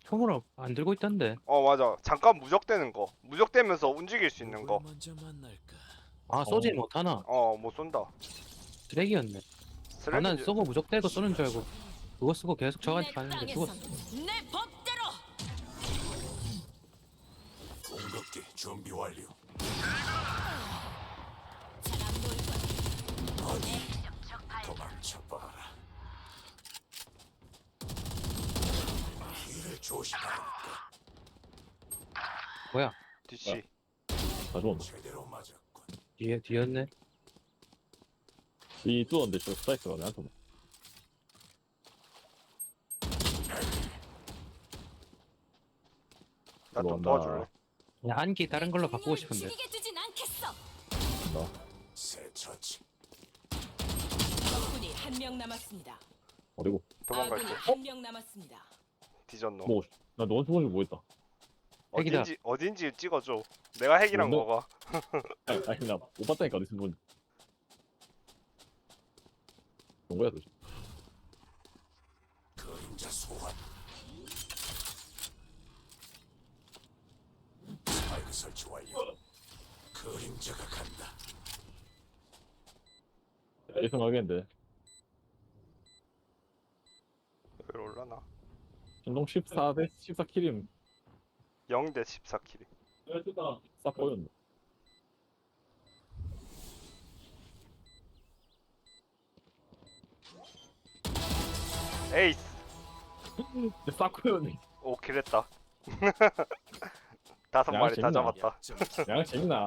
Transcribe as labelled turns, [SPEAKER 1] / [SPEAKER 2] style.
[SPEAKER 1] 총으로 안 들고 있던데.
[SPEAKER 2] 맞아. 잠깐 무적되는 거. 무적되면서 움직일 수 있는 거.
[SPEAKER 3] 먼저 만날까?
[SPEAKER 1] 아 쏘지 못하나?
[SPEAKER 2] 못 쏜다.
[SPEAKER 1] 쓰레기였네. 아 난
[SPEAKER 2] 쓰레기.
[SPEAKER 1] 쏘고 무적대고 쏘는 줄 알고 그거 쓰고 계속 저한테 가는데 죽었어.
[SPEAKER 4] 내 법대로.
[SPEAKER 3] 공격기 준비 완료.
[SPEAKER 4] 잘안 보일 거야.
[SPEAKER 3] 도망쳐봐라. 길을 조심하니까
[SPEAKER 1] 뭐야?
[SPEAKER 2] DC.
[SPEAKER 5] 다 좋은데.
[SPEAKER 3] 제대로 맞았군.
[SPEAKER 1] 뒤였네.
[SPEAKER 5] 이 뚫었는데 저 스파이스가 내한테 오네.
[SPEAKER 2] 나 좀
[SPEAKER 5] 들어온다.
[SPEAKER 2] 도와줄래?
[SPEAKER 1] 그냥 안기 다른 걸로 바꾸고 싶은데.
[SPEAKER 4] 죽이게 두진 않겠어.
[SPEAKER 3] 새 처치.
[SPEAKER 4] 적군이 한 명 남았습니다.
[SPEAKER 5] 어디고?
[SPEAKER 2] 도망갈게.
[SPEAKER 4] 아군이 한 명 남았습니다.
[SPEAKER 2] 뒤졌노.
[SPEAKER 5] 뭐, 나 너한테 보는 거 뭐했다.
[SPEAKER 1] 핵이다.
[SPEAKER 2] 어딘지 찍어줘. 내가 핵이랑
[SPEAKER 5] 뭔데?
[SPEAKER 2] 먹어.
[SPEAKER 5] 아니, 나못 봤다니까, 어디서 보니. 뭔 거야, 도대체.
[SPEAKER 3] 그림자 소환. 스파이크 설치 완료. 그림자가 간다.
[SPEAKER 5] 예상하겠는데.
[SPEAKER 2] 왜 올라나?
[SPEAKER 5] 전동 14대 14킬임.
[SPEAKER 2] 0대 14킬이.
[SPEAKER 5] 싹 보였네.
[SPEAKER 2] 에이스.
[SPEAKER 5] 싹 보였네.
[SPEAKER 2] 오 킬했다. 5마리 다
[SPEAKER 5] 재밌나?
[SPEAKER 2] 잡았다.
[SPEAKER 5] 양 재밌나?